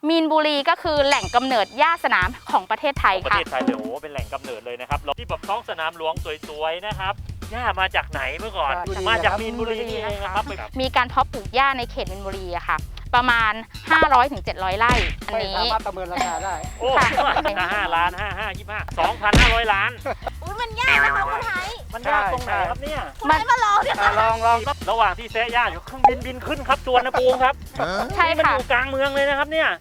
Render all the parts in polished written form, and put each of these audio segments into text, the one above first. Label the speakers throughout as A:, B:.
A: มีนบุรีก็คือแหล่งกำเนิดหญ้าสนามของประเทศไทย
B: ประ
A: ค่ะ
B: เทศไทยเลยโอ้โหเป็นแหล่งกำเนิดเลยนะครับที่แบบท้องสนามหลวงสวยๆนะครับหญ้ามาจากไหนเมื่อก่อนมาจากมีนบุรีนี่เองนะครับ
A: มีการเพาะปลูกหญ้าในเขตมีนบุรีอะค่ะ ประมาณ 500-700 ไร่อัน
C: ไม่
A: นี้
C: สามารถประเมินราคาได้
B: โอ้
A: ค่ะ
B: 5 ล้าน2,500 ล้าน
D: อุ้ยมันยากนะคะคุณไทย
B: มันยากตรงไหนครับเนี่ย
D: คุณไทยมาลองเนี่ย
C: ลอง
B: ระหว่างที่แซะหญ้าอยู่เครื่องบินบินขึ้นครับสุวรรณภูมิครับ
A: ใช่
B: นี่มัน
A: ค่ะ
B: อยู่กลางเมืองเลยนะครับเนี่ย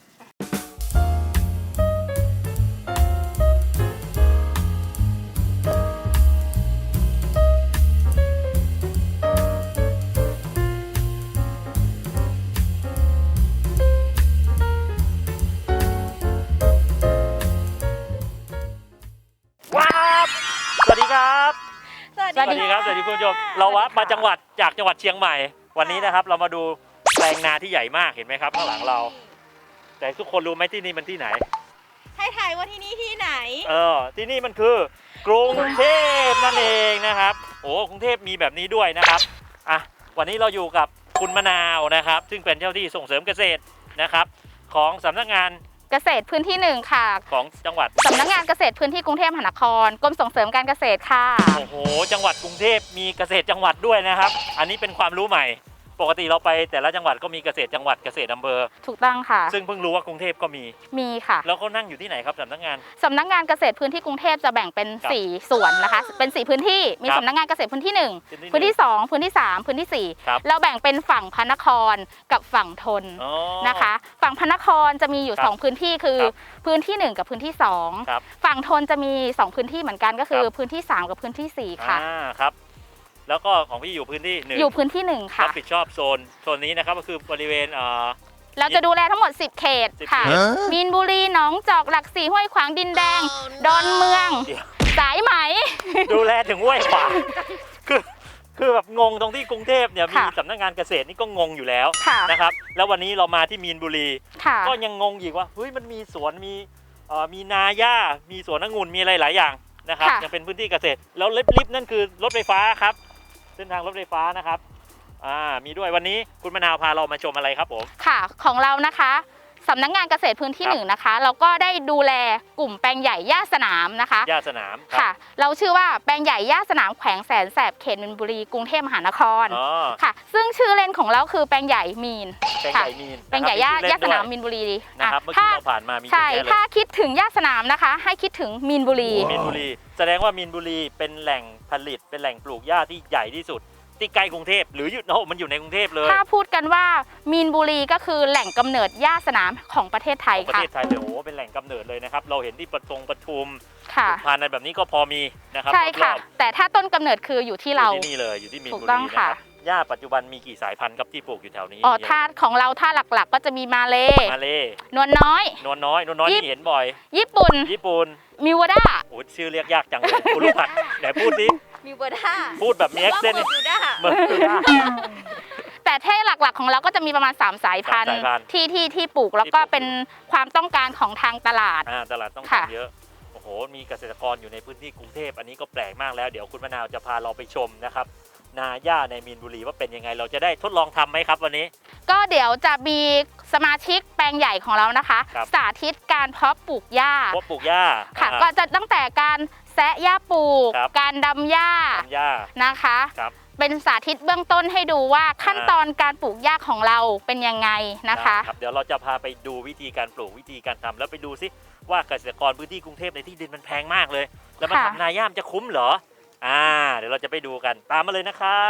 B: ว้าวสวัสดีครับ
D: สวัส
A: สวัส
B: สวัสดีครับสวัสดีคุณผู้ชมเราวัดมาจังหวัดจากจังหวัดเชียงใหม่ วันนี้นะครับเรามาดูแปลงนาที่ใหญ่มากเห็นไหมครับข้างหลังเรา แต่ทุกคนรู้ไหมที่นี่มันที่ไหน
D: ให้ทายว่าที่นี่ที่ไหน
B: ที่นี่มันคือกรุงเทพนั่นเองนะครับโอ้กรุงเทพมีแบบนี้ด้วยนะครับอ่ะวันนี้เราอยู่กับคุณมะนาวนะครับ ซึ่งเป็นเจ้าที่ส่งเสริมเกษตรนะครับของสำนักงาน
A: เกษตรพื้นที่ 1 ค่ะ
B: ของจังหวัด
A: สำนักงานเกษตรพื้นที่กรุงเทพมหานครกรมส่งเสริมการเกษตรค่ะ
B: โอ้โหจังหวัดกรุงเทพมีเกษตรจังหวัดด้วยนะครับ อันนี้เป็นความรู้ใหม่ ปกติเราไปแต่ละจังหวัดก็มีเกษตรจังหวัดเกษตรอำเภอ
A: ถูกต้องค่ะ
B: ซึ่งเพิ่งรู้ว่ากรุงเทพก็มี
A: มีค่ะ
B: แล้วเขานั่งอยู่ที่ไหนครับสำนักงาน
A: สำนักงานเกษตรพื้นที่กรุงเทพจะแบ่งเป็น
B: ครับ
A: 4 ส่วนนะคะ เป็น 4 พื้นที่ มี
B: ครับ
A: สำนักงานเกษตรพื้นที่ 1
B: พื้
A: พื้
B: น
A: น
B: ที่
A: ที่ 2 พื้นที่ 3 พื้นที่
B: ครับ
A: 4 เราแบ่งเป็นฝั่งพระนครกับฝั่งทน
B: อ๋อ
A: นะคะ ฝั่งพระนครจะมีอยู่
B: ครับ
A: 2 พื้นที่คือ
B: ครับ
A: พื้นที่ 1 กับพื้นที่
B: ครับ
A: 2 ฝั่งทนจะมี 2 พื้นที่เหมือนกันก็คือ
B: ครับ
A: พื้นที่ 3 กับพื้นที่ 4 ค่ะ
B: ครับ แล้วก็ของพี่อยู่พื้นที่หนึ่ง
A: อยู่พื้นที่ 1
B: รั
A: ค่ะ
B: บผิดชอบโซนนี้นะครับก็คือบริเวณ
A: เราจะดูแลทั้งหมด 10 เขต
B: 10
A: ค่ะ
B: เขต
A: มีนบุรีหนองจอกหลักสี่ห้วยขวางดินแดง ดอนเมือง
B: เดี๋ยว
A: สายไหม
B: ดูแลถึงห้วยขวางคือแบบงงตรงที่กรุงเทพเนี่ยมี
A: ค่ะ
B: สำนักงานเกษตรนี่ก็งงอยู่แล้ว
A: ค่ะ
B: นะครับแล้ววันนี้เรามาที่มีนบุรี
A: ค่ะ
B: ก็ยังงงอีกว่าเฮ้ยมันมีสวนมีนาหญ้ามีสวนองุ่นมีอะไรหลายอย่างนะครับ
A: ค่ะ
B: ยังเป็นพื้นที่เกษตรแล้วลิฟต์นั่นคือรถไฟฟ้าครับเส้นทางรถไฟฟ้านะครับมีด้วยวันนี้คุณมะนาวพาเรามาชมอะไรครับผม
A: ค่ะของเรานะคะสำนักงานเกษตรพื้นที่
B: ครับ
A: 1นะคะ เราก็ได้ดูแลกลุ่มแปลงใหญ่หญ้าสนามนะคะ
B: หญ้าสนามครับ
A: ค่ะ เราชื่อว่าแปลงใหญ่หญ้าสนามแขวงแสนแสบเขตมีนบุรีกรุงเทพมหานคร
B: อ๋อ
A: ค่ะ ซึ่งชื่อเล่นของเราคือแปลงใหญ่มีน
B: แปลง
A: ค่ะ
B: ใหญ่มีน
A: แปลงใหญ่หญ้า
B: ะครับ
A: หญ้าสนาม
B: มี
A: มีนบุรี
B: นะครับเมื่อ
A: ถ้า
B: กี้เราผ่านมามี
A: ใช่
B: เยอะแยะ
A: ถ้า
B: เลย
A: คิดถึงหญ้าสนามนะคะ ให้คิดถึงมีนบุรี
B: มีนบุรีแสดงว่ามีนบุรีเป็นแหล่งผลิตเป็นแหล่งปลูกหญ้าที่ใหญ่ที่สุดที่ใกล้กรุงเทพหรืออยู่มันอยู่ในกรุงเทพเลย
A: ถ้าพูดกันว่ามีนบุรีก็คือแหล่งกำเนิดหญ้าสนามของประเทศไทย
B: ประ
A: ค่ะ
B: เทศไทยเลยโอ้โหเป็นแหล่งกำเนิดเลยนะครับเราเห็นที่ปทุม
A: ค่ะ
B: ผ่านในแบบนี้ก็พอมีนะครับ
A: ใช่ค่ะ
B: รอบ
A: แต่ถ้าต้นกำเนิดคืออยู่
B: ๆ
A: ที่เรา
B: อยู่ที่นี่เลยอยู่ที่มีน
A: ถู
B: บุ
A: กต้
B: รี
A: อง
B: นะค
A: ค่ะ
B: รับหญ้าปัจจุบันมีกี่สายพันธุ์ครับที่ปลูกอยู่แถวนี้
A: อ๋อท่าของเราท่าหลักๆ ก็จะมีมาเล
B: มาเล
A: นวลน้อย
B: นวลน้อยนี่เห็นบ่อย
A: ญี่ปุ่น
B: ญี่ปุ่น
A: มิวด้า
B: โอ้ชื่อเรียกยากจังเลยคุณลูกผัดไหนพูดสิ
D: มีเบอร์ด้า
B: พูดแบบมีแอคเซนต์
D: ว่าเบอร์ด้า
B: เหมือนกัน
A: แต่เท่หลักๆของเราก็จะมีประมาณ 3 สายพันธุ์
B: สามสายพันธุ์
A: ที่ปลูกแล้วก็
B: ที่ปลูก
A: เป็นความต้องการของทางตลาด
B: ตลาดต้อง
A: ค่ะ
B: การเยอะโอ้โหมีเกษตรกรอยู่ในพื้นที่กรุงเทพอันนี้ก็แปลกมากแล้วเดี๋ยวคุณมะนาวจะพาเราไปชมนะครับนาหญ้าในมีนบุรีว่าเป็นยังไงเราจะได้ทดลองทำไหมครับวันนี้
A: ก็เดี๋ยวจะมีสมาชิกแปลงใหญ่ของเรานะคะ
B: ครับ
A: สาธิตการเพาะปลูกหญ้า
B: พวกปลูกหญ้า
A: ค่ะ ก็จะตั้งแต่การแซะหญ้าปลูก
B: ครับ
A: การดำหญ้า
B: ทำหญ้า
A: นะคะ
B: ครับ
A: เป็นสาธิตเบื้องต้นให้ดูว่าขั้นตอนการปลูกหญ้าของเราเป็นยังไงนะคะ
B: ครับเดี๋ยวเราจะพาไปดูวิธีการปลูกวิธีการทำแล้วไปดูซิว่าเกษตรกรพื้นที่กรุงเทพในที่ดินมันแพงมากเลย แล้วมา
A: ค่ะ
B: ทำนาหญ้ามันจะคุ้มเหรอเดี๋ยวเราจะไปดูกันตามมาเลยนะครับ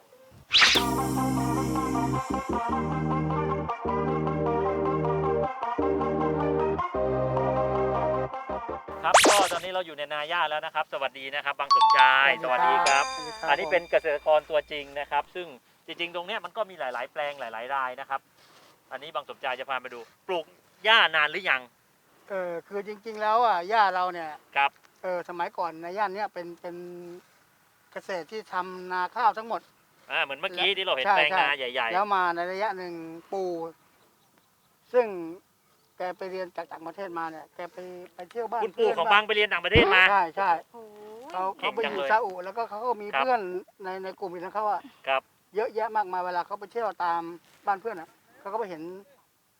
B: ครับก็ตอนนี้เราอยู่ในนาหญ้าแล้วนะครับ สวัสดีนะครับบางสมชายสวัสดีครับ อันนี้เป็นเกษตรกรตัวจริงนะครับ ซึ่งจริงๆตรงเนี้ยมันก็มีหลายๆแปลงหลายๆรายนะครับ อันนี้บางสมชายจะพามาดูปลูกหญ้านานหรือยัง
C: คือจริงๆแล้วอ่ะย่าเราเนี่ย
B: ครับ
C: สมัยก่อนในย่านเนี้ยเป็นเกษตรที่ทำนาข้าวทั้งหมด
B: เหมือนเมื่อกี้ที่เราเห็น
C: ใช่
B: แปลง
C: ใช่
B: นาใหญ่
C: แล้วมาในระยะหนึ่งปู่ซึ่งแกไปเรียนจากต่างประเทศมาเนี่ยแกไปเที่ยวบ้า
B: ๆ
C: น
B: คุณปู่ของบางไปเรียนต่างประเทศมา
C: ใช่ใช่
D: โอ้ย
C: เขา
B: เก่ง
C: ไป
B: จั
C: อง ยู่
B: เลย
C: ซาอุแล้วก็เขาก็มี
B: ครับ
C: เพื่อนในกลุ่มของเขาอะ
B: ครับ
C: เยอะแยะมากมายเวลาเขาไปเที่ยวตามบ้านเพื่อนอะเขาก็ไปเห็นแฟ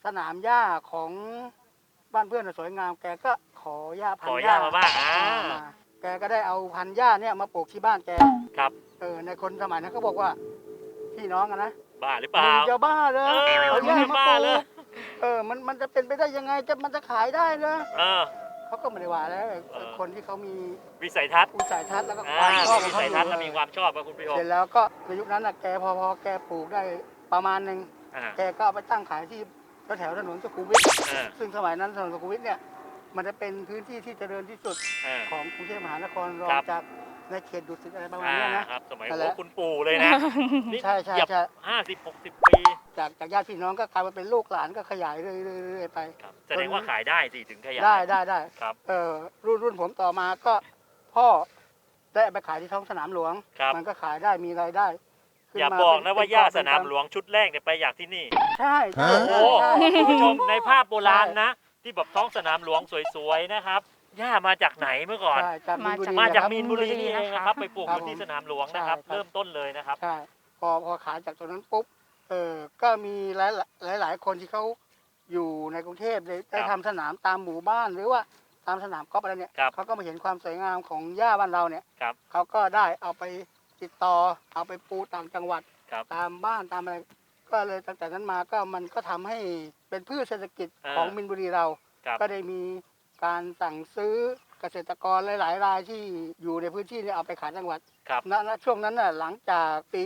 C: สนามหญ้าของบ้านเพื่อนน่ะสวยงาม แกก็ขอหญ้าพัน
B: ขอ
C: ธุ์
B: หญ้ามาบ้าง
C: มาแกก็ได้เอาพันธุ์หญ้าเนี่ยมาปลูกที่บ้านแก
B: ครับ
C: ในคนสมัยนั้นเขาบอกว่าพี่น้องอะนะ
B: บ้าหรือเปล่า
C: มึงจะบ้าเลย เอาหญ้ามา
B: บ้า
C: ปลู
B: เลย
C: กมันจะเป็นไปได้ยังไงมันจะขายได้เลย
B: เออ
C: เขาก็ไม่ได้ว่าแล้ว
B: เออ
C: คนที่เขามี
B: วิสัยทัศน์
C: อุสัยทัศน์แล้วก็ความชอบข
B: วิ
C: องเขา
B: สัย
C: อยู่
B: ทัศน์และมีความชอบครับคุณผู้ชม
C: เสร็จแล้วก็ในยุคนั้นน่ะแกพอแกปลูกได้ประมาณหนึ่ง
B: อ่า
C: แกก็เอาไปตั้งขายที่แถวถนนสุขุมวิท
B: อ่า
C: ซึ่งสมัยนั้นถนนสุขุมวิทเนี่ยมันจะเป็นพื้นที่ที่เจริญที่สุด
B: อ่า
C: ของกรุงเทพมหานครรอ
B: ครั
C: ง
B: บ
C: จากในเขตดุสิตอะไรประมาณเนี้ยนะครับ
B: สมัย
C: นั่นแหละ
B: คุณปู่เลยนะนี่
C: ใช่ใช่
B: เหยียบ
C: ใช่
B: 50-60 ปี
C: จากญาติพี่น้องก็กลายมาเป็นลูกหลานก็ขยายเรื่อยๆไป
B: ครับแสดงว่าขายได้สิถึงขยาย
C: ได้
B: ครับ
C: รุ่นผมต่อมาก็พ่อได้เอาไปขายที่ท้องสนามหลวง
B: ครับ
C: มันก็ขายได้มีรายได้ขึ้น
B: อย่า
C: มา
B: บอก
C: เป็
B: นะว่า
C: เป็
B: ย่า
C: เป็
B: สนามหลวงชุดแรกเนี่ยไปอยากที่นี่
C: ใช่ใช่
B: โอ้
C: ใช่
B: โห
C: ใช่
B: คุณผู้ชมในภาพโบราณนะ ที่แบบท้องสนามหลวงสวยๆนะครับย่ามาจากไหนเมื่อก่อน
C: ใช่จากมีนบุรี
B: มาจาก
C: ครับ
B: มีนบุรีนี่เองนะครับ ไปปลูก
C: ครับ
B: อยู่ที่สนามหลวงนะครับ
C: ใช่ครับ
B: เริ่มต้นเลยนะครับ
C: ใช่พอขายจากตรงนั้นปุ๊บก็มีหลายคนที่เขาอยู่ในกรุงเทพได้ทำสนามตามหมู่บ้านหรือว่าตามสนามกอล์ฟอะไรเนี่ย
B: ครับ
C: เขาก็มาเห็นความสวยงามของหญ้าบ้านเราเนี่ย
B: ครับ
C: เขาก็ได้เอาไปติดต่อเอาไปปลูกต่างจังหวัด
B: ครับ
C: ตามบ้านตามอะไรก็เลยตั้งแต่นั้นมาก็มันก็ทำให้เป็นพืชเศรษฐกิจ
B: อ่า
C: ของมินบุรีเรา
B: ครับ
C: ก็ได้มีการสั่งซื้อเกษตรกรหลายๆรายที่อยู่ในพื้นที่เนี่ยเอาไปขายจังหวัด
B: ครับ
C: ณช่วงนั้นน่ะหลังจากปี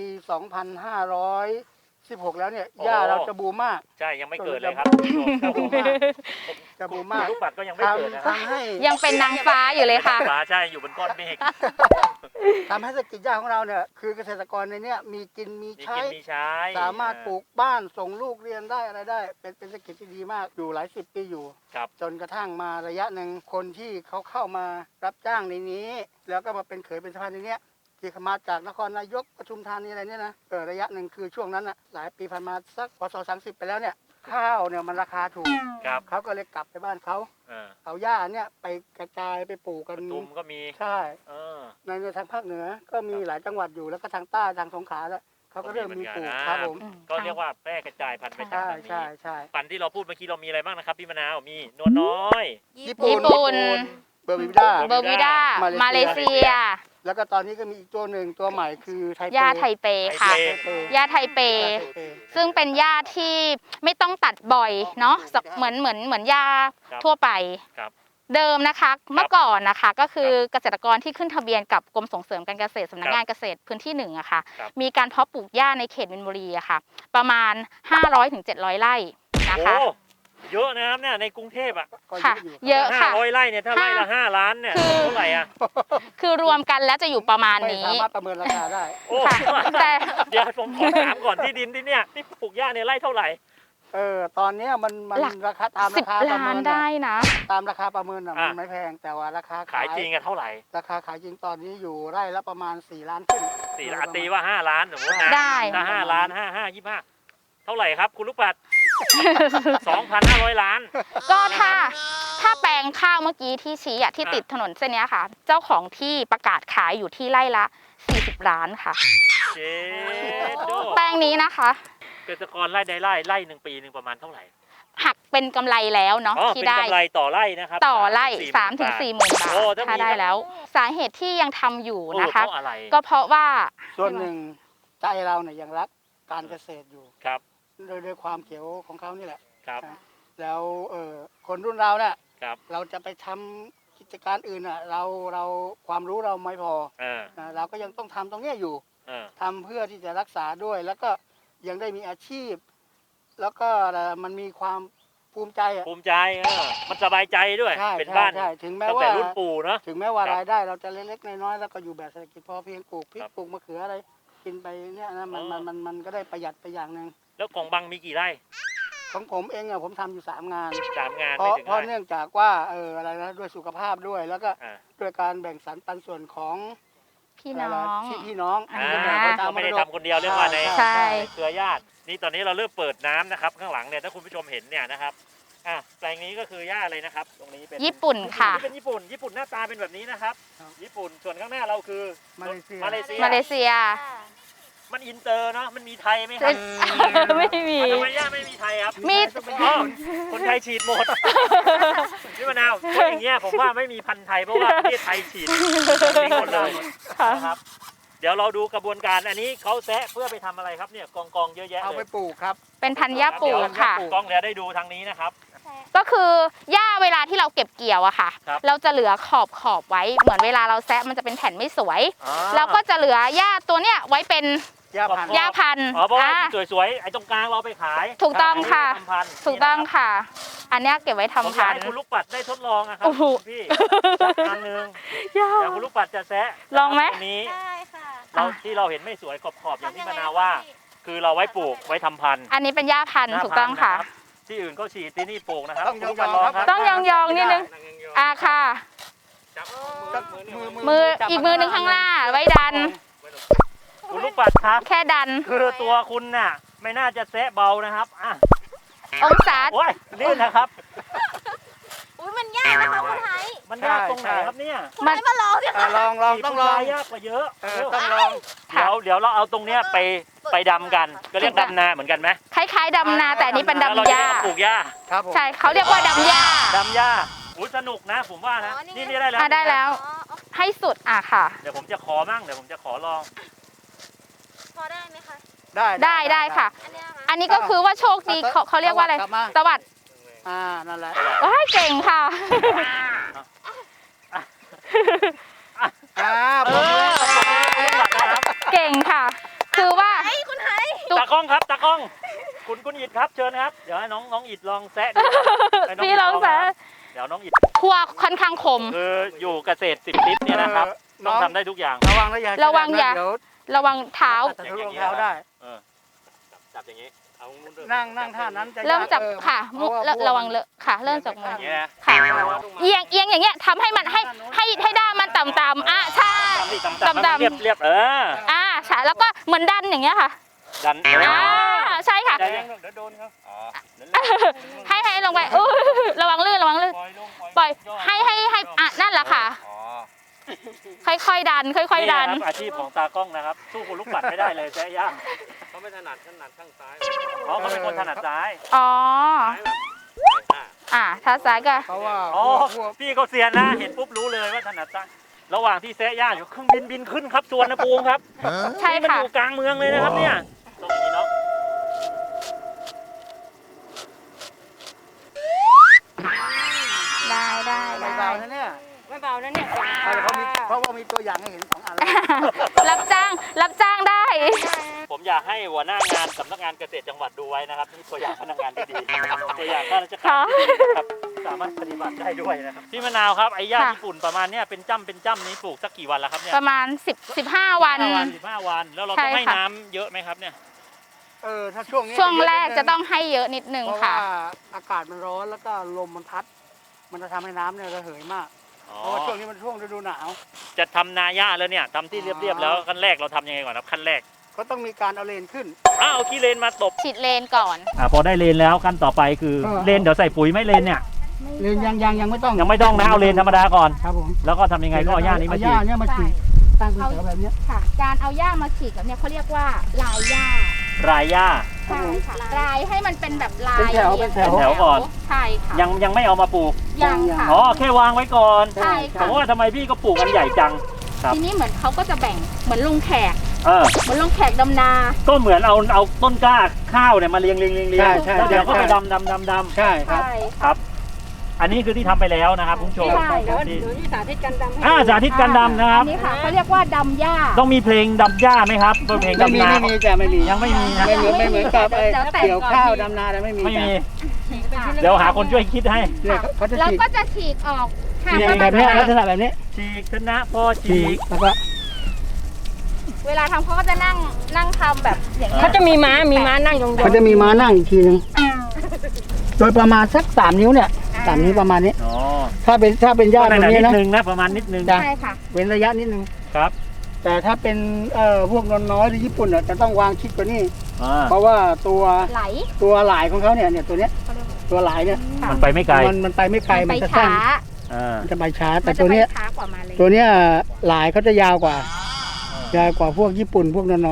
C: 2516 แล้วเนี่ย
B: โอ้
C: หญ้าเราจะบูมมาก
B: ใช่ยังไม่เกิดเลยครับ
C: จะบูมมากจะบูมมาก
B: ลูกปัดก็ยังไม่เกิดนะครับ
C: ทำให้
A: ยังเป็นนางฟ้าอยู่เลยค่ะ
B: ฟ้าใช่อยู่บนก้อนเมฆ
C: ทำให้เศรษฐกิจหญ้าของเราเนี่ยคือเกษตรกรในเนี้ยมีกินมี
B: มี
C: ใช้
B: กินมีใช้
C: สามารถปลูกบ้านส่งลูกเรียนได้อะไรได้ เป็นเศรษฐกิจที่ดีมากอยู่หลายสิบปีอยู่
B: ครับ
C: จนกระทั่งมาระยะหนึ่งคนที่เขาเข้ามารับจ้างในนี้ แล้วก็มาเป็นเขยเป็นสะพานในเนี้ยที่มาจากนครนายกปทุมธานีอะไรเนี่ยนะระยะหนึ่งคือช่วงนั้นน่ะหลายปีผ่านมาสักพศ30ไปแล้วเนี่ยข้าวเนี่ยมันราคาถูก
B: ครับ
C: เขาก็เลยกลับไปบ้านเขา
B: เออ
C: เอาหญ้าเนี่ยไปกระจายไปปลูก
B: ป
C: กัน
B: ทุมก็มี
C: ใช่
B: เออ
C: ในทางภาคเหนือก็มีหลายจังหวัดอยู่แล้วก็ทางใต้ทางสงขลาแล้วเขาก็เริ่มมีปลูกครับผม
B: ก็เรียกว่าแพร่กระจายพันธุ์ไปจาก
C: ใช่
B: ทางนี้
C: ใช่ใช่
B: พันธุ์ที่เราพูดเมื่อกี้เรามีอะไรบ้างนะครับพี่มะนาวมีนวลน้อย
C: ญี่ปุ่
A: ญี่ปุ่น
C: เบอร์บิวด้า
A: เบอร์วิด้า
C: มา
A: มา
C: เล
A: เล
C: เซี
A: เซี
C: ย
A: ย
C: แล้วก็ตอนนี้ก็มีอีกตัวหนึ่งตัวใหม่คือไทเป
A: ย่าไทเปค่ะ
B: ไทเป
A: ย่าไทเป
C: ไทเป
A: ซึ่งเป็นหญ้าที่ไม่ต้องตัดบ่อยเนาะเหมือนหญ้า
B: ครับ
A: ทั่วไป
B: ครับ
A: เดิมนะคะเมื่อก่อนนะคะก็คือเกษตรกรที่ขึ้นทะเบียนกับกรมส่งเสริมการเกษตรสำนักงานเกษตรพื้นที่หนึ่งอะค่ะ
B: ครับ
A: มีการเพาะปลูกหญ้าในเขตมินบุรีอะค่ะ ประมาณ 500-700 ไร่นะคะ
B: โอ้เยอะนะครับเนี่ยในกรุงเทพอ่ะ
C: ก็
A: ค่ะ
C: อยู่
A: เยอะค่ะ
B: 500 ไร่เนี่ยถ้าไร่ละ 5 ล้านเนี่ย
A: คือ
B: เท่าไหร่อ่ะ
A: คือรวมกันแล้วจะอยู่ประมาณ
C: ไม่
A: นี้
C: สามารถประเมินราคาได้
B: โอ้
A: ค่ะแต่
B: เดี๋ยวผมขอถามก่อนที่ดินที่เนี่ยที่ปลูกหญ้าเนี่ยไร่เท่าไหร่
C: ตอนเนี้ยมัน
A: หลัก
C: ราคาตามราคา
A: 10
C: ประเมิ
A: ล้าน
C: น
A: ได้นะ
C: ตามราคาประเมิน
B: อ่ะ
C: มันไม่แพงแต่ว่าราคา
B: ขายจริงอะเท่าไหร่
C: ราคาขายจริงตอนนี้อยู่ไร่ละประมาณ4 ล้านขึ้น
B: 4 ล้านตีว่า 5 ล้านสมมตินะ
A: ได้
B: ถ้า5 ล้าน25 เท่าไหร่ครับคุณลูกปัด 2,500 ล้าน
A: ก็ถ้าแปลงข้าวเมื่อกี้ที่ชี้อะที่ติดถนนเส้นเนี้ยค่ะ เจ้าของที่ประกาศขายอยู่ที่ไร่ละ40 ล้านค่ะ
B: เจโด
A: แปลงนี้นะคะ
B: เกษตรกรไร่ใดไร่หนึ่งปีหนึ่งประมาณเท่าไหร่
A: หักเป็นกำไรแล้วเนาะ
B: อ๋อ
A: ที่
B: เป็น
A: ได้
B: กำไรต่อไร่นะครับ
A: ต่อไร่
B: 3-4
A: 3-4หมื่นบาท
B: โอ้ถ้า
A: ถ้า
B: มี
A: ได้แล้ว สาเหตุที่ยังทำอยู่
B: โอ้
A: นะคะ
B: เพราะอะไร
A: ก็เพราะว่า
C: ส่วนหนึ่งใจเราเนี่ยยังรักการเกษตรอยู่
B: ครับ
C: โดยความเขียวของเขานี่แหละ
B: ครับ
C: แล้วคนรุ่นเราเนี่ย
B: ครับ
C: เราจะไปทำกิจการอื่นอ่ะเราความรู้เราไม่พอ
B: เออ
C: เราก็ยังต้องทำตรงเนี้ยอยู่
B: เออ
C: ทำเพื่อที่จะรักษาด้วย แล้วก็ยังได้มีอาชีพ แล้วก็มันมีความภูมิใจอ่ะ
B: ภูมิใจมันสบายใจด้วย
C: ใช่
B: เป็น
C: ใช่
B: บ้าน
C: ใช่ถึงแม้
B: ตั้ง
C: ว่า
B: แต่รุ่นปู่เนาะ
C: ถึงแม้ว่า
B: ครับ
C: รายได้เราจะเล็กๆน้อยๆแล้วก็อยู่แบบเศรษฐกิจพอเพียงปลูกพริก
B: ครับ
C: ปลูกมะเขืออะไร กินไปเนี่ยนะมันก็ได้ประหยัดไปอย่างหนึ่ง
B: แล้วของบังมีกี่ไร่
C: ของผมเองอ่ะผมทำอยู่3 งาน
B: 3 งาน
C: เพ
B: ไม่
C: ราะ
B: ถึง
C: เพราะ
B: ไร่
C: เนื่องจากว่าอะไรนะด้วยสุขภาพด้วยแล้วก็
B: อ่า
C: ด้วยการแบ่งสรรปันส่วนของ
A: พี่น้อง
C: พี่น้อง
A: อ่า
C: ที่จะแบ่งไปตาม
B: ก็ไม่ได้
C: มรดก
B: ทำคนเดียวเรียกว่าใน
A: ใช่
B: เครือญาตินี่ตอนนี้เราเริ่มเปิดน้ำนะครับ ข้างหลังเนี่ยถ้าคุณผู้ชมเห็นเนี่ยนะครับแปลงนี้ก็คือหญ้าอะไรนะครับ ตรงนี้เป็น
A: ญี่ปุ่นค่ะ
B: นี่เป็นญี่ปุ่นหน้าตาเป็นแบบนี้นะครับ ญี่ปุ่นส่วนข้างหน้าเราคือ
C: มาเลเซีย
B: มาเลเซีย
A: มาเลเซีย
B: มันอินเตอร์เนาะมันมีไทยไหมครับ
A: ไม่มี
B: ทำไมย่าไม่มีไทยครับ
A: มี
B: อ๋อคนไทยฉีดหมดพี่มะนาวเพราะอย่างเงี้ยผมว่าไม่มีพันธุ์ไทยเพราะว่าประเทศไทยฉีดทิ้งหมดเลยนะครับเดี๋ยวเราดูกระบวนการอันนี้เขาแซะเพื่อไปทำอะไรครับเนี่ยกองเยอะแยะ
C: เอา
B: เล
C: ไป
B: ย
C: ปลูกครับ
A: เป็นพันธุ์หญ้าปลูกค่ะ
B: กล้องเดี๋ยวได้ดูทางนี้นะครับ
A: ก็คือหญ้าเวลาที่เราเก็บเกี่ยวอะค่ะ
B: ครับ
A: เราจะเหลือขอบไว้เหมือนเวลาเราแซะมันจะเป็นแผ่นไม่สวย
B: อ๋อ
A: เราก็จะเหลือหญ้าตัวเนี้ยไว้เป็น
C: ย่าพันธุ์
A: หญ้าพันธุ์
B: อ๋อเพราะว่า
A: อ่า
B: สวยๆไอ้ตรงกลางเราไปขาย
A: ถูกต้องค่ะ
B: นนี้ไว้ทำพันธุ์
A: ถูกต้องค่ะ อันเนี้ยเก็บไว้
B: ผม
A: ทำ
B: อยาก
A: พัน
B: ให้
A: ธุ์
B: คุณลูกปัดได้ทดลองอะครั
A: โอ้โห
B: พี่สักอันหนึง
A: ยา
B: เดี๋ยวคุณลูกปัดจะแซะ
A: ลองไหม
B: ตรงนี้
D: ได้ค่ะ
B: เราที่เราเห็นไม่สวยขอบๆอย่างที่มะนาวว่า คือเราไว้ปลูกไว้ทำพันธุ์
A: อันนี้เป็นหญ้าพันธุ์
B: หน้า
A: ถูกต้องค่ะ
B: พันธุ์นรับที่อื่นก็ฉีดที่นี่ปลูกนะครับ
C: ต้อง
B: คุณลูก
C: ย
B: ปั
C: อ
B: ด
C: ง
B: ลอง
C: ๆ
B: ครับ
A: ต้องยองๆนิดนึง ค่ะ
B: จับ
A: มืออีกมือหนึ่งข้างหน้าไว้ดัน
B: คุณลูกปัดครับ
A: แค่ดัน
B: คือตัวคุณน่ะไม่น่าจะแซะเบานะครับอ่ะ
A: องศา
B: โอ้ยลื่นนะครับ
D: อุ้ยมันยากนะคะคุณไทย
B: มันยากตรงไหนครับเนี่ย
D: คุณไทยมาลองเนี่ย
C: ลองต้องลอง
B: ยากกว่าเยอะ
C: ต้องลอง
B: เดี๋ยวเราเอาตรงเนี้ยไปดำกันก็เรียกดำนาเหมือนกันไหม
A: คล้ายๆดำนาแต่อันนี้เป็น
B: แล้วเรา
A: ดำห
B: จะ
A: ญ้า
B: เอาปลูกหญ้า
C: ครับผม
A: ใช่เขาเรียกว่าดำหญ้า
B: ดำหญ้าอุ้ยสนุกนะผมว่านะนี่ได้แล้ว
A: ได้แล้ว
D: อ๋อ
A: ให้สุดค่ะ
B: เดี๋ยวผมจะขอมั่งเดี๋ยวผมจะขอลอง
D: พอได้ไหมคะ
A: ได้ค่ะ
D: อันเนี้ยนะ
A: อันนี้ก็คือว่าโชคดีเขาเรียกว่าอะไร
C: กลับมา
A: สวัสด
C: นั่นแหละ
A: ว้ายเก่งค่ะ
C: ผม
B: นะครับ
A: เก่งค่ะ คือว่า
D: ไอ้คุณไทย
B: ตากล้องครับตากล้องคุณอิดครับเชิญครับเดี๋ยวให้น้องอิดลองแซะดูให้น้
A: พี่ลองแซะ
B: เดี๋ยวน้องอิด
A: คั่วค่อนข้างคม
B: คืออยู่เกษตร10 ทิศเนี่ยนะครับต้องทำได้ทุกอย่าง
C: ระวังนะอย่า
A: ระวังอย่า
C: เดี๋ยว
A: ระวังเท้า
C: ทะลุรองเท้าได้
B: จับอย่างนี้เอามือ
C: นั่งท่านั้นจะ
A: เริ่มจาก
C: ยาก
A: ค่ะ
C: เพราะว่า
A: ระวังเลอะค่ะ เริ่มจากมือ
B: อย่างนี้นะ
A: ค่ะเอียงอย่างเงี้ยทำให้มันให้ด้ามมันต่ำๆใช่
B: ต่ำๆเรียบ
A: ใช่แล้วก็เหมือนดันอย่างเงี้ยค่ะ
B: ดัน
A: ใช่ค่ะ
B: ใจเย็นเดี๋ยวโดนครับ
A: ให้ลงไประวังลื่นปล่อยให้นั่นแหละค่ะ ค่อยๆดันค่อยๆดัน
B: อาชีพของตากล้องนะครับสู้คุณลูกปัดไม่ได้เลยแซะย่างเขาไม่ถนัดข้างซ้ายอ๋อเขาเป็นคนถนัดซ้าย
A: อ๋อถ้าซ้ายก็
C: เพราะว่า
B: อ๋อ
C: พวก
B: พี่เขาเซียนนะเห็นปุ๊บรู้เลยว่าถนัดซ้ายระหว่างที่แซะย่างอยู่เครื่องบินขึ้นครับสวนภูมิครับ
A: ใช่
B: นี่มัน
A: ค่ะ
B: อยู่กลางเมืองเลยนะครับเนี่ยตรงนี้เนาะ
A: ได้
C: ไม่เบานะเนี่ย
D: ไม่เบานะเนี่ย
C: เพราะว่ามีตัวอย่างให้เห็น2 อันแล้ว
A: รับจ้างได้
B: ผมอยากให้หัวหน้างานสำนักงานเกษตรจังหวัดดูไว้นะครับนี่ตัวอย่างพนักงานที่ดีตัวอย่างข้าราชการที่ดีนะครับสามารถปฏิบัติได้ด้วยนะครับพี่มะนาวครับไอ้หญ้าญี่ปุ่นประมาณเนี้ยเป็นจ้ำนี้ปลูกสักกี่วันแล้วครับเนี่ย
A: ประมาณ15 วัน
B: 15 วันแล้วเราต้องให้น้ำเยอะไหมครับเนี่ย
C: ถ้าช่วงนี้
A: ช่วงแรกจะต้องให้เยอะนิดนึง
C: เพราะ
A: ค่ะ
C: ว่าอากาศมันร้อนแล้วก็ลมมันพัด มันจะทำให้น้ำเนี่ยระเหยมากเพราะว่าช่วงนี้มันช่วงฤดูหนาว
B: จะทำนาหญ้าแล้วเนี่ยทำที่เรียบๆแล้วขั้นแรกเราทำยังไงก่อนครับขั้นแรก
C: ก็ต้องมีการเอาเลนขึ้น
B: เอาขี้เลนมาตบ
A: ฉีดเลนก่อน
B: พอได้เลนแล้วขั้นต่อไปคือ
C: เออ
B: เลนเดี๋ยวใส่ปุ๋ยไม่เลนเนี่ย
C: เลนยังไม่ต้อง
B: ยังไม่ต้องนะเอาเลนธรรมดาก่อน
C: ครับผม
B: แล้วก็ทำยังไงก็เอาหญ้านี้มา
C: เอ
B: ฉี
C: หญ้า
B: ด
C: เนี่ยมาฉีดตั้งเป็นแถวแบบเนี้ย
A: ค่ะ การเอาหญ้ามาฉีดแบบเนี้ยเขาเรียกว่าลายหญ้าร
B: ายหญ้า
A: ใช่ค่ะลายให้มันเป็นแบบลาย
C: เป็นแถว
B: เป็นแถวก่อน
A: ใช่ค่ะ
B: ยังไม่เอามาปลูก
A: ยังค่ะ
B: อ๋อแค่วางไว้ก่อน
A: ใช่ค่ะ
B: ผมว่าทำไมพี่ก็ปลูกกันใหญ่จัง ครับ
A: ทีนี้เหมือนเขาก็จะแบ่งเหมือนลุงแขก
B: เออ
A: เหมือนลุงแขกดำนา
B: ก็เหมือนเอาต้นกล้าข้าวเนี่ยมาเรียง
C: ใช่ใช่
B: แล้วเดี๋ยวก็ไป
C: ใช่
B: ดำ
C: ใช่ครับ
A: ใช่
B: ครับ อันนี้คือที่ทำไปแล้วนะครับคุณผู้ชม
A: ใช่
B: ที่
D: สาธิตกันดำให้
B: สาธิตการดำนะครับ
A: อันนี้ค่ะเขาเรียกว่าดำหญ้า
B: ต้องมีเพลงดำหญ้าไหมครับเพลง
C: ไม่
B: ดำ
C: มี
B: นา
C: ไม่มีแต่ไม่มี
B: ยังไม่มีนะ
C: ไม่เหมือนกับไอ้
A: เดี๋ยวแต่ง
C: เกี่ยวข้าวดำนาแต่ไม่มี
B: ไม่มี
C: แต่
B: เดี๋ยวหาคนช่วยคิดให้
C: เนี่ยเขาจะ
A: แล้ว
C: ฉีด
A: ก็จะฉีกออกหาก
C: ฉีด
A: ว่า
C: แบบนี้ลักษณะแบบนี้
B: ฉีกชนะพอฉีก
C: แล้วก็
A: เวลาทำเขาก็จะนั่งทำแบบอย่างนี้ย
D: เขาจะมีม้านั่งยอง
C: เขาจะมีม้านั่งอีกทีนึงโดยประมาณสัก3 นิ้วเนี่ย3 นิ้วประมาณนี้
B: อ๋อ
C: ถ้าเป็นหญ้าตรง
B: นิ
C: นี้
B: ด
C: นะ
B: นึงนะประมาณนิดนึง
C: จ้ะ
A: ใช่ค่ะ
C: เว้นระยะนิดนึง
B: ครับ
C: แต่ถ้าเป็นพวกนนน้อยหรือญี่ปุ่นจะต้องวางชิดกว่านี้
B: อ่า
C: เพราะว่าตัว
A: ไหล
C: หลายของเขาเนี่ยตัวเนี้ยตัวหลายเนี่ย
B: มันไปไม่ไกล
C: มันไปไม่ไกล
A: ไป
C: มันจะสั้
A: ช้าน
C: มันจะไปช้า
A: มั
C: แต่
A: นจะ
C: ตัว
A: ไป
C: เนี้ย
A: ช้ากว่ามาเลย
C: ตัวเนี้ยหลายเขาจะยาวกว่าพวกญี่ปุ่นพวกนนน้อย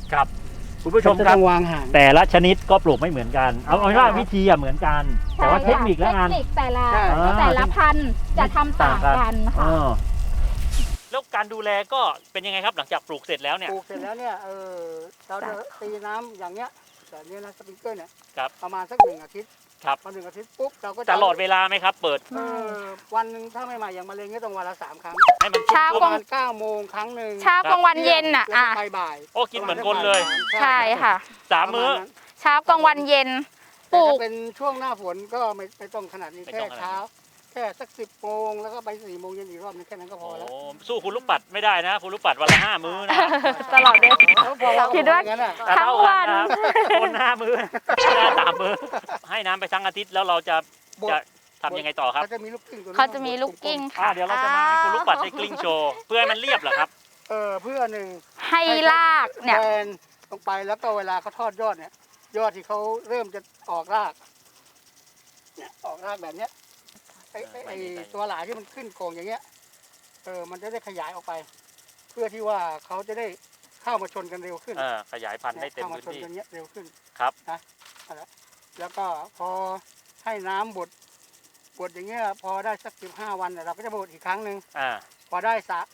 B: ครับคุณผู้ชม
C: จะ
B: ครั
C: ต้
B: บ
C: องวางห่าง
B: แต่ละชนิดก็ปลูกไม่เหมือนกันเอาเป็นว่าวิธีเหมือนกัน แต่ว่าเทคนิคแล้วกัน
A: เทคนิคแต่ละ
C: ใช่
A: แต่ละพันธุ์จะทำต่างกันค่ะ
B: แล้วการดูแลก็เป็นยังไงครับหลังจากปลูกเสร็จแล้วเนี่ย
C: ปลูกเสร็จแล้วเนี่ยเราจะตีน้ำอย่างเงี้ยแบบนี้นะสปริงเกอร์เนี่ย
B: ครับ
C: ประมาณสัก1 อาทิตย์
B: ครับ
C: พอ1 อาทิตย์ปุ๊บเราก็จะ
B: ตลอดเวลาไหมครับ เปิด
C: วันหนึ่งถ้าไม่มาอย่างมะเร็งก็ต้องวันละ3 ครั้ง
B: ให้มัน
A: เช้า
C: ประ
A: กลาง
C: มาณ9 โมงครั้งหนึ่ง
A: เช้ากลางวันเย็นน่ะ
C: แล้วก็บ่าย
B: โอ้กินเหมือนคนเลย
A: ใช่ค่ะ
B: 3 มื้อ
A: เช้ากลางวันเย็นป
C: ปลู
A: ลู
C: ก
A: ก
C: เป็นช่วงหน้าฝนก็ไม่ต้องขนาดนี้
B: ไม่
C: แค่
B: ต้องขนาดนี้
C: เช้า แค่สัก10 โมงแล้วก็ไป4 โมงเย็นอีกรอบนึงแค่นั้นก็พ
B: โอ้
C: อแล้ว
B: สู้คุณลูกปัดไม่ได้นะคุณลูกปัดวันละ 5 มื้อนะ
A: ตลอดเลย
C: แล้วพอเรา
A: คิดว่า
C: อย่างนั้นอ่ะ
B: แต่เท่า
A: ทั้งวั
B: กัน
A: น
B: นะครับคน5 มื้อหน้า3 มื้อให้น้ำไปทั้งอาทิตย์แล้วเราจะ
C: บด
B: ทำยังไงต่อครับ
C: เขาจะมีลูกกิ้งตัวนี้
A: เขาจะมีลูกกิ้งค่ะ
B: เดี๋ยวเราจะมาให้คุณลูกปัดได้กลิ้งโชว์เพื่อให้มันเรียบเหรอครับ
C: เพื่อหนึ่ง
A: ให้ลากเนี่ย
C: แบนลงไปแล้วก็เวลาเขาทอดยอดเนี่ย ยอดที่เขาเริ่มจะออกรากเนี่ยออกรากแบบเนี้ยไอ้ตัวหลายที่มันขึ้นโก่งอย่างเงี้ยมันจะได้ขยายออกไป เพื่อที่ว่าเขาจะได้เข้ามาชนกันเร็วขึ้น
B: ขยายพันธุ์ได้เต็ม
C: เข้ามา
B: พื้น
C: ชน
B: ที่
C: กันเนี้ยเร็วขึ้น
B: ครับ
C: นะนั่นแหละแล้วก็พอให้น้ำบดอย่างเงี้ยพอได้สัก15 วันเนี่ยเราก็จะบดอีกครั้งหนึ่ง พอได้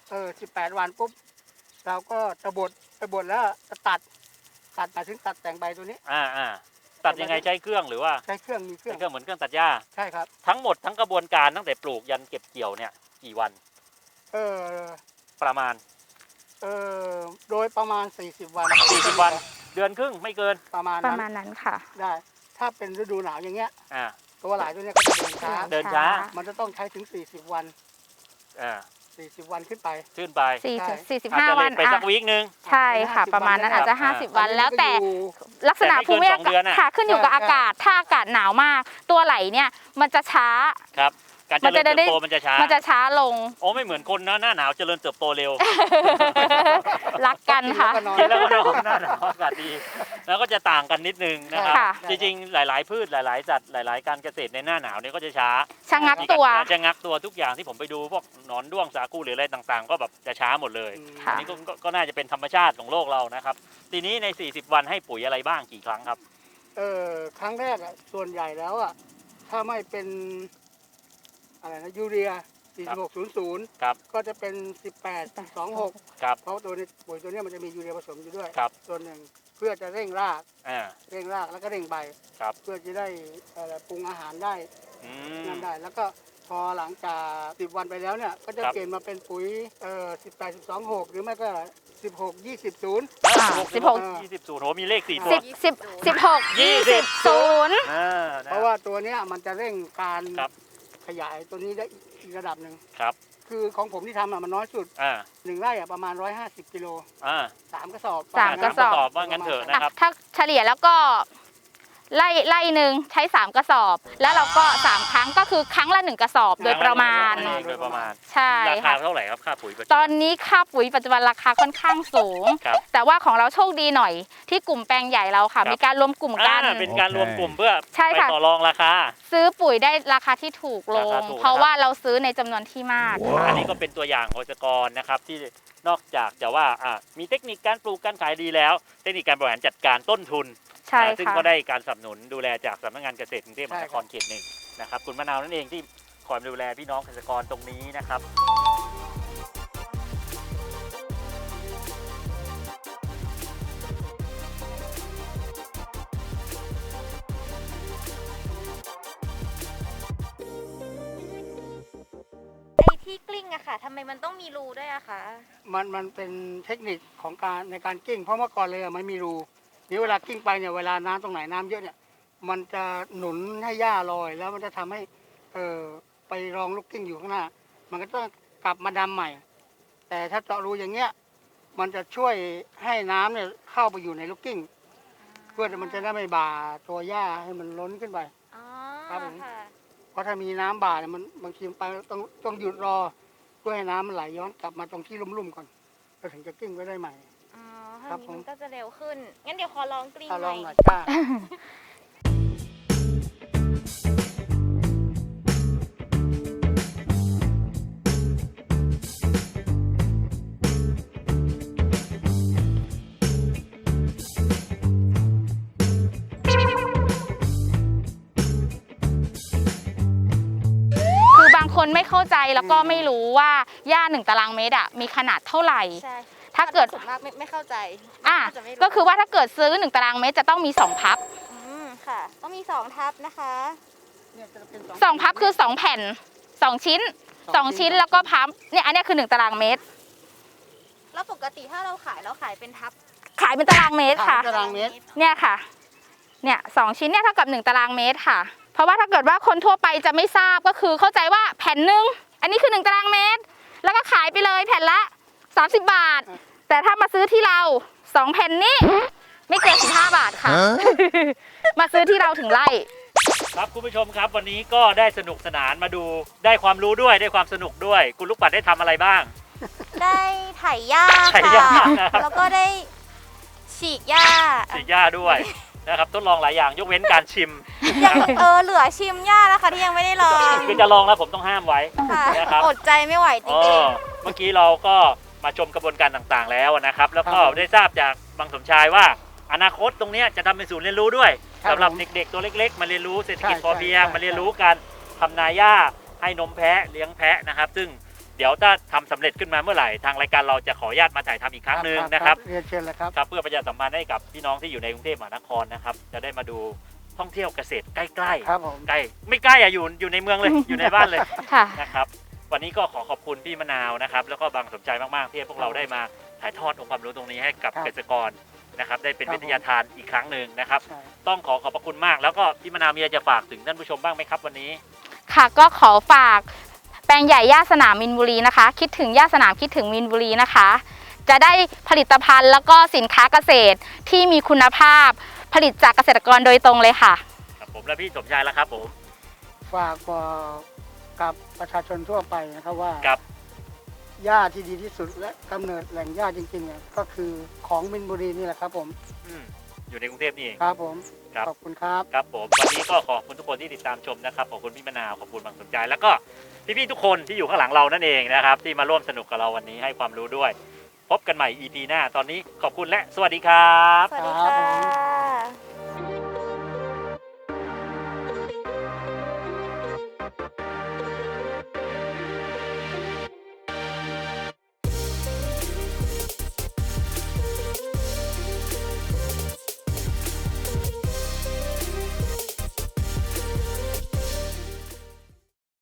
C: 18 วันปุ๊บเราก็จะบดแล้วจะตัดหมายถึงตัดแต่งใบตัวนี้
B: ตัดยังไงใช้เครื่องหรือว่า
C: ใช้เครื่องมีเครื่
B: ใช้
C: อง
B: เครื่องเหมือนเครื่องตัดหญ้า
C: ใช่ครับ
B: ทั้งหมดทั้งกระบวนการตั้งแต่ปลูกยันเก็บเกี่ยวเนี่ยกี่วัน
C: เออ
B: ประมาณ
C: โดยประมาณ40 วัน
B: 40 วัน เดือนครึ่งไม่เกิน
C: ประมาณ
A: ประ
C: นั้น
A: มาณนั้นค่ะ
C: ได้ ถ้าเป็นฤดูหนาวอย่างเงี้ย
B: อ่า
C: ตัวหลายตัวเนี้ยก็จะเดินช้า
B: เดินช้า
C: มันจะต้องใช้ถึง40 วัน
B: อ่า
C: 40 วันขึ้นไป
B: ขึ้นไป
A: 45
B: อาจจะ
A: วั
B: เล็
A: น
B: กไปสักวีคนึง
A: ใช่ค่ะ ประมาณนั้นอาจจะ 50 วันแล้วแต่ลักษณะภูมิอา
B: แต่ไม่เกิน2 เดือน
A: กาศ
B: น่ะ
A: ค่ะขึ้นอยู่กับอากาศถ้าอากาศหนาวมาก ตัวไหลเนี่ยมันจะช้า
B: ครับ การเจริญเติบโตมันจะช้า
A: มันจะช้าลง
B: โอ้ไม่เหมือนคนนะหน้าหนาวเจริญเติบโตเร็ว
A: รักกันค่ะ
B: กินแล้วก็นอนหน้าหนาวอากาศดี แล้วก็จะต่างกันนิดนึงนะครับ
A: ค่ะ
B: จริงๆ หลายๆ พืชหลายๆสัตว์หลายๆ การเกษตรในหน้าหนาวเนี่ยก็จะช้า
A: ชะงักตัว
B: จะงักตัวทุกอย่างที่ผมไปดูพวกหนอนด้วงสาคูหรืออะไรต่างๆ ก็แบบจะช้าหมดเลย
A: ค่ะ
B: อันนี้ก็น่าจะเป็นธรรมชาติของโลกเรานะครับ ทีนี้ใน 40 วันให้ปุ๋ยอะไรบ้างกี่ครั้งครับ
C: ครั้งแรกอ่ะส่วนใหญ่แล้วอ่ะถ้าไม่เป็นอะไรนะยูเรีย 4600
B: ครับ
C: ก็จะเป็น 1826
B: ครับ
C: เพราะตัวนี้ปุ๋ยตัวเนี้ยมันจะมียูเรียผสมอยู่ด้วย
B: ครับ
C: ส่วนหนึ่งเพื่อจะเร่งราก
B: อ่า
C: แล้วก็เร่งใบ
B: ครับ
C: เพื่อจะได้ปรุงอาหารได้
B: อืม
C: นั่นได้ แล้วก็พอหลังจาก10 วันไปแล้วเนี่ยก็จะ
B: ครับ
C: เปลี่ยนมาเป็นปุ๋ย18 12 6 หรือไม่ก็ 16 20 0
B: 16 20 0โหมีเลข4ตัว
A: 16 20 0
B: นะ
C: เพราะว่าตัวเนี้ยมันจะเร่งการ
B: ครับ
C: ขยายตัวนี้ได้อีกระดับหนึ่ง
B: ครับ
C: คือของผมที่ทำอะมันน้อยสุด
B: อ่า
C: 1 ไร่อะประมาณ 150 กิโล
B: อ่า
C: 3 กระสอบ
A: สามกระสอบ
B: ว่างั้นเถอะนะครับ
A: ถ้าเฉลี่ยแล้วก็ไล่หนึ่งใช้ 3 กระสอบ แล้วเราก็ 3 ครั้งก็คือครั้งละ 1 กระสอบโดยประมาณ
B: โดยประมาณ
A: ใช่
B: ราคา
A: ค่ะ
B: เท่าไหร่ครับค่าปุ๋ยปัจจุ
A: ต
B: บั
A: อนนี้ค่าปุ๋ยปัจจุบันราคาค่อนข้างสูง
B: ครับ
A: แต่ว่าของเราโชคดีหน่อย ที่กลุ่มแปลงใหญ่เราค่ะ
B: ครับ
A: มีการรวมกลุ่มกัน
B: เป็นการรวมกลุ่มเพื่อ
A: ใช่
B: ไป
A: ค่ะ
B: ต่อรองราคา
A: ซื้อปุ๋ยได้ราคาที่ถูกล
B: ราง คาถูก
A: เพราะ
B: นะครับ
A: ว่าเราซื้อในจำนวนที่มาก
B: อันนี้ก็เป็นตัวอย่างของเกษตรกรนะครับที่นอกจากจะว่ามีเทคนิคการปลูกการขายดีแล้ว เทคนิคการบริหารจัดการต้นทุน
A: ใช่
B: ซึ่ง
A: ค่ะ
B: ก็ได้การสนับสนุนดูแลจากสำนักงานเกษตรกรุงเทพมหานคร
C: ใช่ครับ
B: เขตหนึ่งนะครับคุณมะนาวนั่นเองที่คอยดูแลพี่น้องเกษตรกรตรงนี้นะครับ
E: ไอ้ที่กลิ้งอะค่ะทำไมมันต้องมีรูด้วยอะคะ
C: มันเป็นเทคนิคของการในการกิ้ง เพราะเมื่อก่อนเลยอะมันมีรูนี่เวลากิ้งไปเนี่ยเวลาน้ำตรงไหนน้ำเยอะเนี่ยมันจะหนุนให้หญ้าลอย แล้วมันจะทำให้ไปรองลูกกิ้งอยู่ข้างหน้า มันก็ต้องกลับมาดำใหม่ แต่ถ้าเจาะรูอย่างเงี้ยมันจะช่วยให้น้ำเนี่ยเข้าไปอยู่ในลูกกิ้ง เพื่อมันจะได้ไม่บ่าตัวหญ้าให้มันล้นขึ้นไป
E: อ๋อ
C: ครับผม
E: ค่ะ
C: เพราะถ้ามีน้ำบ่าเนี่ยมันบางทีไปต้องหยุดรอ เพื่อให้น้ำมันไหลย้อนกลับมาตรงที่ลุ่มๆก่อนแล้วถึงจะกิ้งไว้ได้ใหม่
E: อ๋อ
C: ครั
E: ถ้า
C: บ
E: นี้
C: ผม
E: มันก็จะเร็วขึ้น งั้นเดี๋ยวขอลองกลิ้ง
C: ถ้า
E: ห
C: ล
E: น่
C: อ
E: อง ย
C: หน่อยกล้า
E: ไ
A: คนไม่เข้าใจแล้วก็ไม่รู้ว่าหญ้า1 ตารางเมตรมีขนาดเท่าไหร่
E: ใช่
A: ถ้าเกิด
E: ส่วนมากไม่เข้าใจ
A: อ่ะ
E: น่าจะไม่รู้
A: ก็คือว่าถ้าเกิดซื้อ1 ตารางเมตรจะต้องมี2 พับ
E: ค่ะ ต้องมี2 ทับนะคะ
C: เนี่ยจะเป็น
A: 2 พับคือ2 แผ่น 2 ชิ้น 2 ชิ้นแล้วก็พับเนี่ยอันเนี้ยคือ1 ตารางเมตร
E: แล้วปกติถ้าเราขายเป็นทับ
A: ขายเป็นตารางเมตรค่ะ
C: ตารางเมตร
A: เนี่ยค่ะเนี่ย2 ชิ้นเนี่ยเท่ากับ1 ตารางเมตรค่ะ เพราะว่าถ้าเกิดว่าคนทั่วไปจะไม่ทราบก็คือเข้าใจว่าแผ่นหนึ่งอันนี้คือ1 ตารางเมตร แล้วก็ขายไปเลยแผ่นละ30 บาท แต่ถ้ามาซื้อที่เรา2 แผ่นนี้ไม่เกิน15 บาทค่ะ มาซื้อที่เราถึงไร่
B: ครับคุณผู้ชมครับวันนี้ก็ได้สนุกสนานมาดูได้ความรู้ด้วยได้ความสนุกด้วย คุณลูกปัดได้ทำอะไรบ้าง
E: ได้ไถหญ้า
B: ไถหญ้า
E: ค่ะ
B: นะครับ
E: แล้วก็ได้ฉีกหญ้า
B: ฉีดหญ้าด้วยนะครับทดลองหลายอย่างยกเว้นการชิม
E: ยังเหลือชิมหญ้านะคะที่ยังไม่ได้ลอง
B: คือจะลองแล้วผมต้องห้ามไว้
E: ค่ะ
B: นะครับ
E: อดใจไม่ไหวจ
B: อ๋อ
E: ริง
B: เมื่อกี้เราก็มาชมกระบวนการต่างๆแล้วนะครับ แล้วก็
C: ครับผม
B: ได้ทราบจากบางสมชายว่าอนาคตตรงเนี้ยจะทำเป็นศูนย์เรียนรู้ด้วย
C: ครับ
B: สำหรับ
C: ผม
B: เด็กๆตัวเล็กๆ มาเรียนรู้เศรษฐกิจ
C: ใช่
B: พอเพียง
C: ใช่
B: มาเรียนรู้การทำนาหญ้าให้นมแพะเลี้ยงแพะนะครับ ซึ่งเดี๋ยวถ้าทำสำเร็จขึ้นมาเมื่อไหร่ทางรายการเราจะขออนุญาตมาถ่ายทำอีกครั้งหนึ่งนะครับ
C: เรียนเชิญเลยครับ
B: ครับเพื่อประชาสัมพันธ์ให้กับพี่น้องที่อยู่ในกรุงเทพมหานครนะครับ จะได้มาดูท่องเที่ยวเกษตรใกล้ๆ
C: ครับผม
B: ใกล้ไม่ใกล้อะอยู่ในเมืองเลย อยู่ในบ้านเลย
A: ค่ะ
B: นะครับวันนี้ก็ขอขอบคุณพี่มะนาวนะครับแล้วก็บางสมใจมากๆที่ให้พวกเราได้มาถ่ายทอดองค์ความรู้ตรงนี้ให้กับ
C: ครับ
B: เกษตรกรนะครับได้เป็น
C: ครับ
B: วิทยาทานอีกครั้งหนึ่งนะครับ
C: ใช่
B: ต้องขอขอบพระคุณมาก แล้วก็พี่มะนาวมีอะไรจะฝากถึงท่านผู้ชมบ้างไหมครับวันนี้
A: ค่ะก็ขอฝากแปลงใหญ่ย่าสนามมินบุรีนะคะ คิดถึงย่าสนามคิดถึงมินบุรีนะคะ จะได้ผลิตภัณฑ์แล้วก็สินค้าเกษตรที่มีคุณภาพผลิตจากเกษตรกรโดยตรงเลยค่ะ
B: ครับผมและพี่สมชายแล้วครับผม
C: ฝากบอกกับประชาชนทั่วไปนะครับว่า
B: ครับ
C: หญ้าที่ดีที่สุดและกำเนิดแหล่งหญ้าจริงๆเนี่ยก็คือของมินบุรีนี่แหละครับผม
B: อยู่ในกรุงเทพนี่เอง
C: ครับผม
B: ครับ
C: ขอบคุณครับ
B: ครับผมวันนี้ก็ขอบคุณทุกคนที่ติดตามชมนะครับขอบคุณพี่มะนาวขอบคุณบางสมใจแล้วก็พี่ๆทุกคนที่อยู่ข้างหลังเรานั่นเองนะครับที่มาร่วมสนุกกับเราวันนี้ให้ความรู้ด้วย พบกันใหม่ EP หน้าตอนนี้ขอบคุณและสวัสดีครับ
E: ๆ สวัสดีค่ะ